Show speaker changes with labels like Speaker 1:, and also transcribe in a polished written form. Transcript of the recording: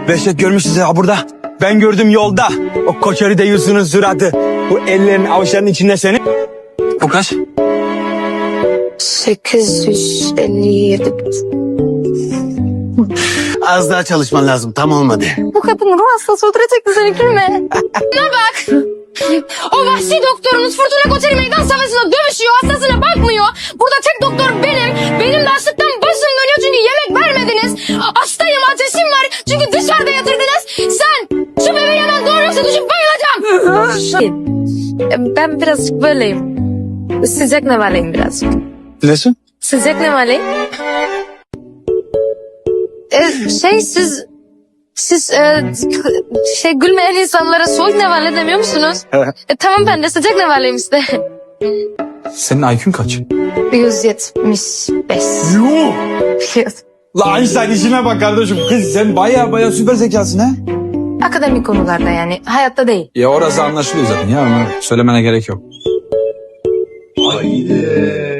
Speaker 1: Behçet görmüşsünüz ya burada. Ben gördüm yolda. O koçeri de Yusuf'un suratı. Bu ellerin avuçlarının içinde senin. O kaç?
Speaker 2: 857.
Speaker 3: Az daha çalışman lazım. Tam olmadı.
Speaker 2: Bu kadın ruh hastası öldürecekti seni gülme. Buna bak. O vahşi doktorunuz Fırtına Koçeri meydan savaşında dövüşüyor. Hastasına bakmıyor. Burada tek doktor benim. Benim de açlıktan başım dönüyor çünkü yemek vermediniz. Hastayım, ateşim var çünkü dışarıda yatırdınız. Sen şu bebeği hemen doğuruyorsa düşüp bayılacağım. Ben birazcık böyleyim. Sıcak nevaleyim birazcık.
Speaker 1: Dilesin?
Speaker 2: Sıcak nevaleyim. Siz gülmeyen insanlara soğuk nevale demiyor musunuz? Tamam ben de sıcak nevaleyim işte.
Speaker 1: Senin IQ'un kaç?
Speaker 2: 175.
Speaker 1: Yuh! La Einstein işine bak kardeşim. Kız sen baya süper zekasın ha.
Speaker 2: Akademik konularda yani hayatta değil.
Speaker 1: Ya orası anlaşılıyor zaten ya. Onu söylemene gerek yok.
Speaker 4: Haydi.